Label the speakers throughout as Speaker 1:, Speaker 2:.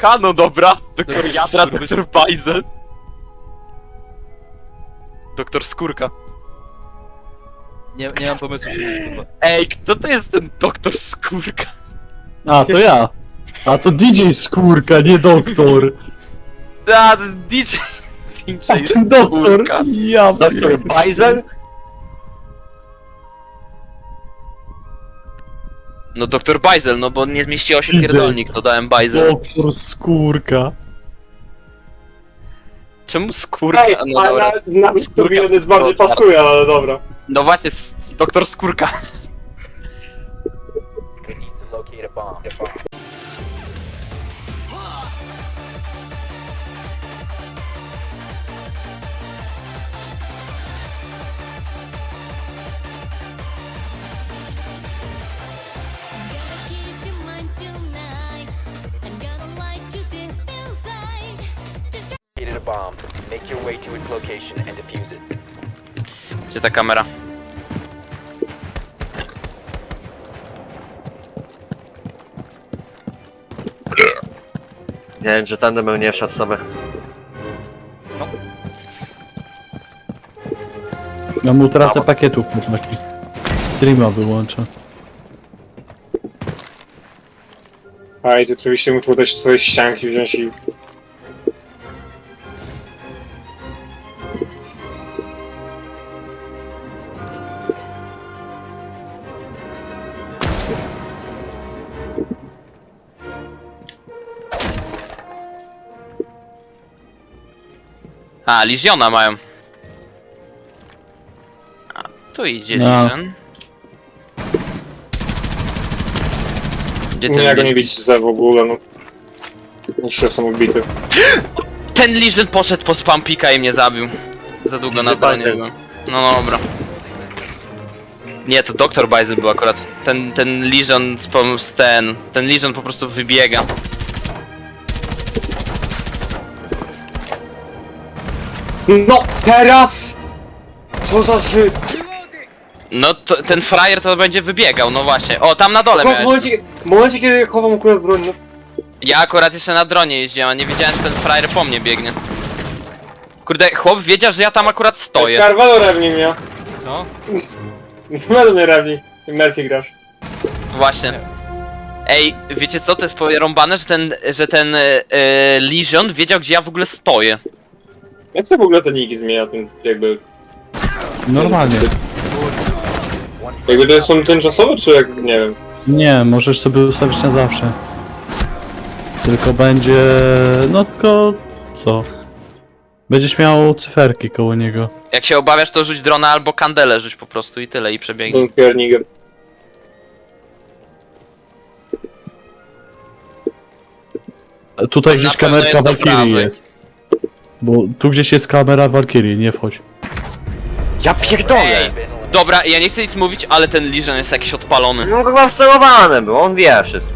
Speaker 1: skórka, no dobra. Doktor Jadra, doktor Bajzel. Doktor Skórka.
Speaker 2: Nie mam pomysłu, kurwa.
Speaker 1: Ej, kto to jest ten doktor Skórka?
Speaker 3: A, to ja. A to DJ Skórka, nie doktor.
Speaker 1: A, to jest DJ. DJ
Speaker 3: A ten doktor.
Speaker 1: Skórka.
Speaker 3: Ja
Speaker 4: Doktor Bajzel?
Speaker 1: No doktor Bajzel, no bo nie zmieściło się
Speaker 3: DJ.
Speaker 1: pierdolnik, to dałem Bajzel.
Speaker 3: Doktor Skórka.
Speaker 1: Czemu Skórka?
Speaker 4: Ej,
Speaker 1: No dobra.
Speaker 4: ale na to
Speaker 1: Skórka.
Speaker 4: jest bardziej pasuje, ale dobra.
Speaker 1: No właśnie, doktor Skórka.
Speaker 5: Keep your mind tonight. I'm gonna light you deep inside. Just
Speaker 6: Located a bomb. Make your way to its location and defuse it.
Speaker 1: Gdzie ta kamera?
Speaker 4: Nie wiem, że tędy bym nie wszedł sobie.
Speaker 3: Ja mu utratę pakietów po takich. Streama wyłączę.
Speaker 7: A i tu oczywiście muszę też swoje ścianki wziąć i...
Speaker 1: A, Liziona mają. A, tu idzie
Speaker 3: No.
Speaker 1: Lizion. Gdzie
Speaker 7: Nie, ja go nie
Speaker 1: Lizion?
Speaker 7: widzieć w ogóle, no. Jeszcze są ubity.
Speaker 1: Ten Lizion poszedł po spampika i mnie zabił. Za długo
Speaker 4: Lizion
Speaker 1: na bronie
Speaker 4: Bajzel.
Speaker 1: byłem. No dobra. Nie, to doktor Bajzel był akurat. Ten Lizion z ten Lizion po prostu wybiega.
Speaker 7: No, teraz! Co za Żyd!
Speaker 1: No to, ten frajer to będzie wybiegał, no właśnie. O, tam na dole
Speaker 7: W
Speaker 1: miałeś.
Speaker 7: momencie, kiedy chowam akurat broń, no...
Speaker 1: Ja akurat jeszcze na dronie jeździłem, a nie wiedziałem, że ten frajer po mnie biegnie. Kurde, chłop wiedział, że ja tam akurat stoję.
Speaker 7: Skarwalo rewni mnie.
Speaker 2: No.
Speaker 7: Będą mnie rewni. Mercy grasz.
Speaker 1: Właśnie. Ej, wiecie co, to jest porąbane, że ten Lizion wiedział, gdzie ja w ogóle stoję.
Speaker 7: Jak to w ogóle te niki zmienia, ten jakby...
Speaker 3: Normalnie.
Speaker 7: Jakby to są tymczasowe, czy jak... nie wiem.
Speaker 3: Nie, możesz sobie ustawić na zawsze. Tylko będzie... no tylko... co? Będziesz miał cyferki koło niego.
Speaker 1: Jak się obawiasz, to rzuć drona albo kandelę rzuć po prostu i tyle, i przebiegnij.
Speaker 7: Ten pierniger.
Speaker 3: Tutaj
Speaker 1: Na
Speaker 3: gdzieś
Speaker 1: pewno
Speaker 3: kamerka
Speaker 1: jest do
Speaker 3: Valkyrie
Speaker 1: prawej.
Speaker 3: jest. Bo tu gdzieś jest kamera Valkyrie, nie wchodź.
Speaker 4: Ja pierdolę!
Speaker 1: Ej, dobra, ja nie chcę nic mówić, ale ten Lizion jest jakiś odpalony.
Speaker 4: No chyba wcelowany był, on wie wszystko.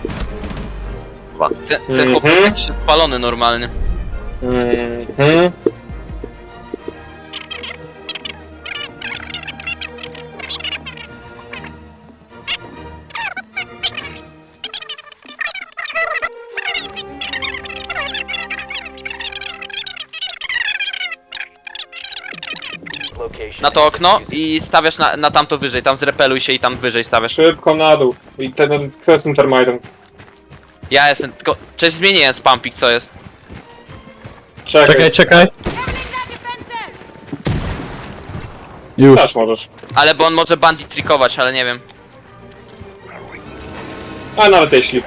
Speaker 1: Ten chłop jest jakiś odpalony normalnie.
Speaker 7: Mhm.
Speaker 6: Location.
Speaker 1: Na to okno i stawiasz na tamto wyżej, tam zrepeluj się i tam wyżej stawiasz.
Speaker 7: Szybko na dół. I ten kwestią termitem.
Speaker 1: Ja jestem, tylko... Cześć, zmieniłem spampik, co jest.
Speaker 3: Czekaj, czekaj. Już.
Speaker 7: Też możesz.
Speaker 1: Ale bo on może bandit trikować, ale nie wiem.
Speaker 7: A nawet jeśli.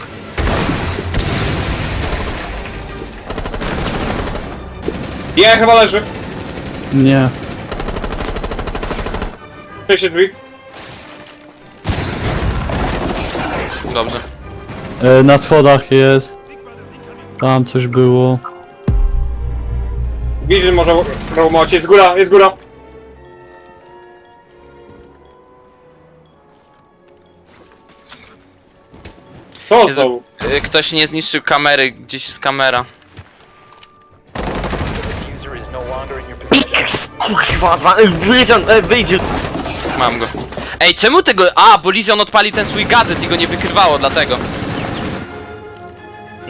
Speaker 7: Nie, chyba leży.
Speaker 3: Nie.
Speaker 7: Przejście drzwi.
Speaker 1: Dobrze.
Speaker 3: Na schodach jest. Tam coś było.
Speaker 7: Widzę, może robocie. Jest góra, jest góra. To
Speaker 1: Jezu.
Speaker 7: znowu.
Speaker 1: Ktoś nie zniszczył kamery, gdzieś jest kamera.
Speaker 6: User is no longer in your possession.
Speaker 4: Kurwa, wyjdzie!
Speaker 1: Mam go. Ej, czemu tego... A, bo Lizion odpalił ten swój gadżet i go nie wykrywało, dlatego.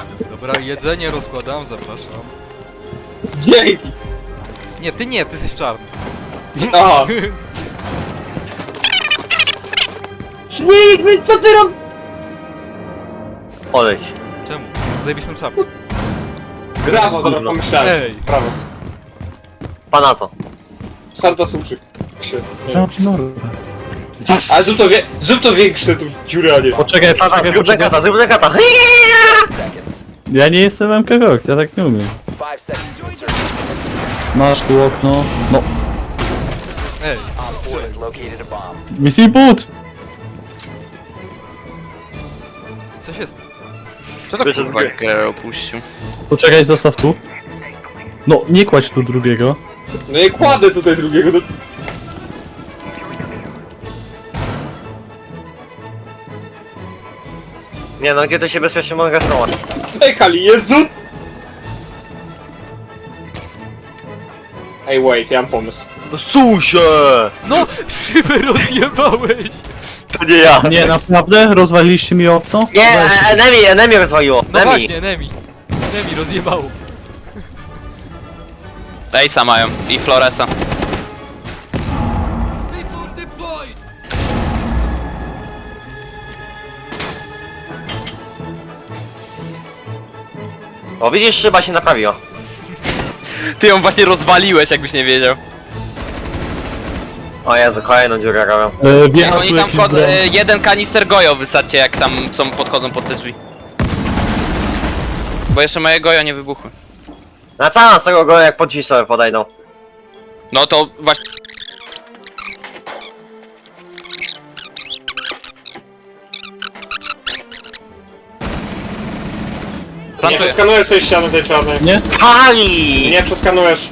Speaker 2: Dobra, jedzenie rozkładam, zapraszam.
Speaker 7: Dzięki!
Speaker 2: Nie, ty jesteś czarny.
Speaker 7: Aha! Śmig, co ty robisz?
Speaker 4: Odejdź.
Speaker 2: Czemu? Zajebistą czapkę.
Speaker 7: Brawo, dobra,
Speaker 4: Gówno.
Speaker 7: pomyślałem.
Speaker 2: Ej.
Speaker 7: Brawo.
Speaker 4: Pana to.
Speaker 7: Sarta suczy.
Speaker 3: Zamknij mordę.
Speaker 7: Ale zrób to większe, tu dziurę, a nie.
Speaker 3: Poczekaj,
Speaker 4: Tata,
Speaker 3: poczekaj,
Speaker 4: zrób
Speaker 3: poczekaj.
Speaker 4: kata, zrób kata.
Speaker 3: Ja nie jestem MK Rock, ja tak nie umiem.
Speaker 6: 5 seconds to insertion.
Speaker 3: Masz tu okno. No,
Speaker 2: Ej,
Speaker 6: Op 4
Speaker 2: strzelaj.
Speaker 6: has located a bomb.
Speaker 3: misji but!
Speaker 2: Coś jest.
Speaker 1: Co to
Speaker 4: Wyszedł z
Speaker 1: kurwa
Speaker 4: gry.
Speaker 1: grę opuścił?
Speaker 3: Poczekaj, zostaw tu. No, nie kładź tu drugiego.
Speaker 7: No i kładę tutaj drugiego do...
Speaker 4: Nie no, gdzie to się bezpiecznie mogę schować?
Speaker 7: Ej, Kali, Jezu! Ej, wait, ja mam pomysł.
Speaker 4: No susie!
Speaker 2: No! Szybę rozjebałeś!
Speaker 4: To nie ja.
Speaker 3: Nie, naprawdę? Rozwaliliście mi okno?
Speaker 4: Nie, enemy rozwaliło.
Speaker 2: No
Speaker 4: Enemy.
Speaker 2: właśnie, Nemi. Nemi rozjebało.
Speaker 1: Ejsa mają i Floresa.
Speaker 4: O, widzisz, szyba się naprawiła.
Speaker 1: Ty ją właśnie rozwaliłeś, jakbyś nie wiedział.
Speaker 4: O Jezu, kolejną dziurę robią.
Speaker 1: Jak
Speaker 3: Wjechał
Speaker 1: oni
Speaker 3: tu
Speaker 1: tam
Speaker 3: jakiś
Speaker 1: wchodzą,
Speaker 3: dron.
Speaker 1: jeden kanister gojo wysadźcie, jak tam podchodzą pod te drzwi. Bo jeszcze moje gojo nie wybuchły.
Speaker 4: Na całą z tego go jak po drzwi sobie podejdą.
Speaker 1: No to właśnie...
Speaker 7: Nie
Speaker 1: Plantuję.
Speaker 7: przeskanujesz tej ściany tej czarnej.
Speaker 3: Nie?
Speaker 4: Pali!
Speaker 7: Nie przeskanujesz.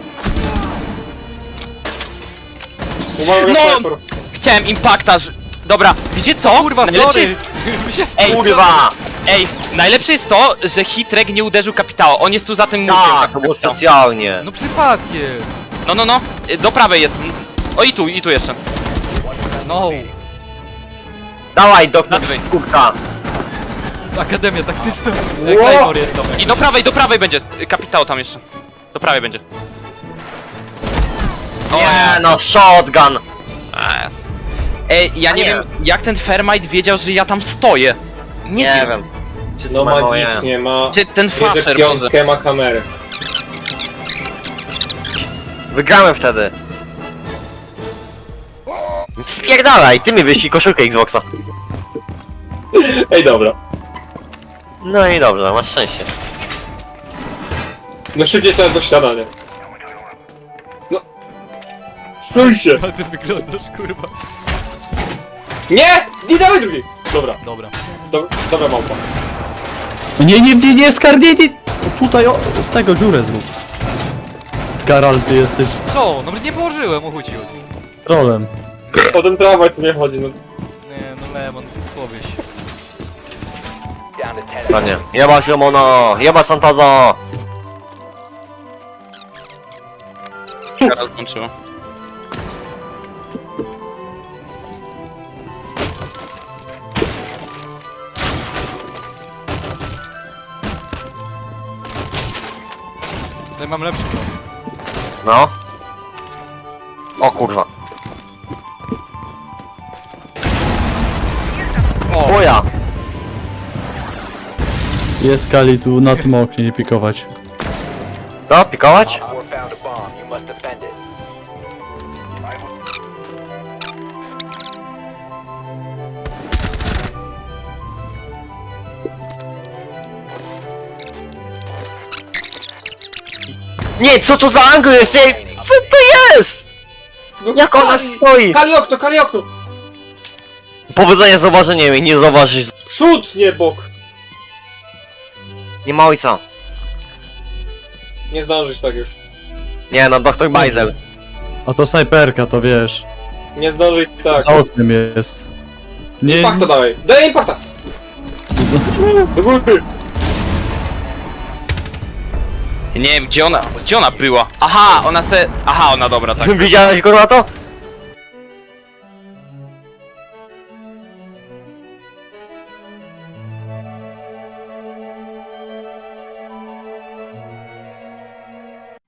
Speaker 7: Umarł
Speaker 1: No!
Speaker 7: sniper.
Speaker 1: Chciałem impakta, że... Dobra, wiecie co?
Speaker 2: Kurwa,
Speaker 1: Najlepsze
Speaker 2: sorry!
Speaker 1: jest...
Speaker 2: Mi się
Speaker 1: Ej,
Speaker 4: Kurwa!
Speaker 1: Ej, najlepsze jest to, że Hitrek nie uderzył kapitała. On jest tu za tym murkiem.
Speaker 4: Tak, to było
Speaker 1: kapitał.
Speaker 4: specjalnie.
Speaker 2: No przypadkiem!
Speaker 1: No. Do prawej jest. O i tu jeszcze.
Speaker 2: No!
Speaker 4: Dawaj, doktor
Speaker 1: Nadwej.
Speaker 4: Skórka.
Speaker 2: Akademia taktyczna.
Speaker 4: Ło!
Speaker 2: Claymore jest tam.
Speaker 1: I do prawej będzie. Kapitał tam jeszcze. Do prawej będzie.
Speaker 4: Nie no, shotgun.
Speaker 1: Nice. Ej, ja nie
Speaker 4: Nie.
Speaker 1: wiem, jak ten Fermite wiedział, że ja tam stoję. Nie
Speaker 4: Nie
Speaker 1: wiem.
Speaker 4: wiem. Wszyscy
Speaker 7: No
Speaker 4: mają moje.
Speaker 7: magicznie ma...
Speaker 1: Czy ten
Speaker 7: Bierze
Speaker 1: Fasher może?
Speaker 7: piątkę, ma kamerę.
Speaker 4: Wygrałem wtedy. Spierdalaj, ty mi wyślij koszulkę Xboxa.
Speaker 7: Ej, dobra.
Speaker 4: No i dobrze, masz szczęście.
Speaker 7: No szybciej sobie do śniadania. No. Stój się!
Speaker 2: Ale ty wyglądasz, kurwa.
Speaker 7: Nie! Nie dawaj drugi! Dobra,
Speaker 2: Dobra.
Speaker 7: dobra małpa.
Speaker 3: Nie, Skar, nie! Tutaj, o, tego dziurę zrób. Skaral, ty jesteś
Speaker 2: Co? No nie położyłem, o chuj ci chodzi.
Speaker 3: trolem.
Speaker 7: O ten tramwaj co nie chodzi, no.
Speaker 2: Nie, no Lemon, powieś.
Speaker 6: Down to 10.
Speaker 4: Panie. Jeba Simono, jeba Santazo.
Speaker 1: Teraz skończyło.
Speaker 2: Tutaj mam lepszy plan.
Speaker 4: No. O kurwa. O ja.
Speaker 3: Jest Skali tu na tym oknie, nie pikować.
Speaker 4: Co, pikować?
Speaker 6: Op 4 found a bomb. You must defend it.
Speaker 4: Nie, co to za angle jest? Co to jest?
Speaker 7: No
Speaker 4: Jak ona stoi?
Speaker 7: Kali okno!
Speaker 4: Powodzenia z zauważeniem i nie zauważysz.
Speaker 7: Przód, nie bok!
Speaker 4: Nie ma ojca.
Speaker 7: Nie zdążysz tak już.
Speaker 4: Nie no, doktor Bajzel.
Speaker 3: A to snajperka, to wiesz.
Speaker 7: Nie zdążysz tak.
Speaker 3: Za oknem jest. Nie,
Speaker 7: Impakta dawaj! Daj impakta! Do góry!
Speaker 1: Nie wiem, gdzie ona była? Aha, ona se... Aha, ona dobra, tak.
Speaker 4: Widziałeś kurwa to?